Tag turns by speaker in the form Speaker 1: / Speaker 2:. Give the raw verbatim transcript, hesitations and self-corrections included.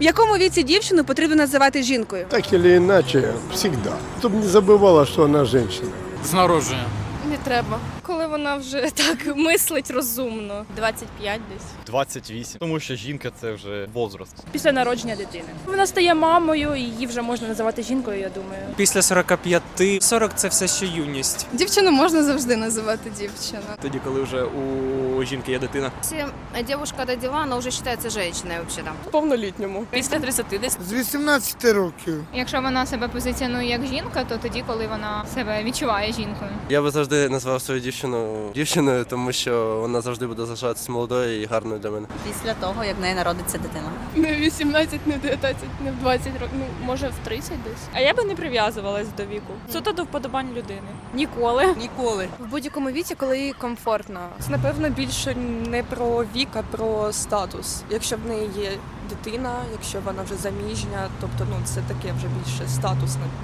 Speaker 1: В якому віці дівчину потрібно називати жінкою?
Speaker 2: Так или иначе, всегда. Чтобы не забывала, что она женщина.
Speaker 3: З народження.
Speaker 4: Не треба. Коли вона вже так мислить розумно. двадцять п'ять десь.
Speaker 5: двадцять вісім, тому що жінка це вже возраст.
Speaker 4: Після народження дитини. Вона стає мамою, і її вже можна називати жінкою, я думаю.
Speaker 6: Після сорока п'яти. сорок – це все ще юність.
Speaker 7: Дівчину можна завжди називати дівчина.
Speaker 8: Тоді, коли вже у жінки є дитина.
Speaker 9: Если девушка родила, она уже считается женщиной вообще-то.
Speaker 4: Повнолітньому. Після тридцяти десь.
Speaker 2: З вісімнадцяти років.
Speaker 7: Якщо вона себе позиціонує як жінка, то тоді, коли вона себе відчуває жінкою.
Speaker 8: Я би завжди назвав свою дівчину дівчиною, тому що вона завжди буде залишатися молодою і гарною для мене.
Speaker 10: Після того, як в неї народиться дитина.
Speaker 4: Не в вісімнадцять, не в дев'ятнадцять, не в двадцять років. Ну, може в тридцять десь. А я би не прив'язувалась до віку. Суто до вподобань людини. Ніколи.
Speaker 10: Ніколи.
Speaker 4: В будь-якому віці, коли їй комфортно. Це, напевно, більше не про вік, а про статус. Якщо в неї є дитина, якщо вона вже заміжня, тобто ну це таке вже більше статусне.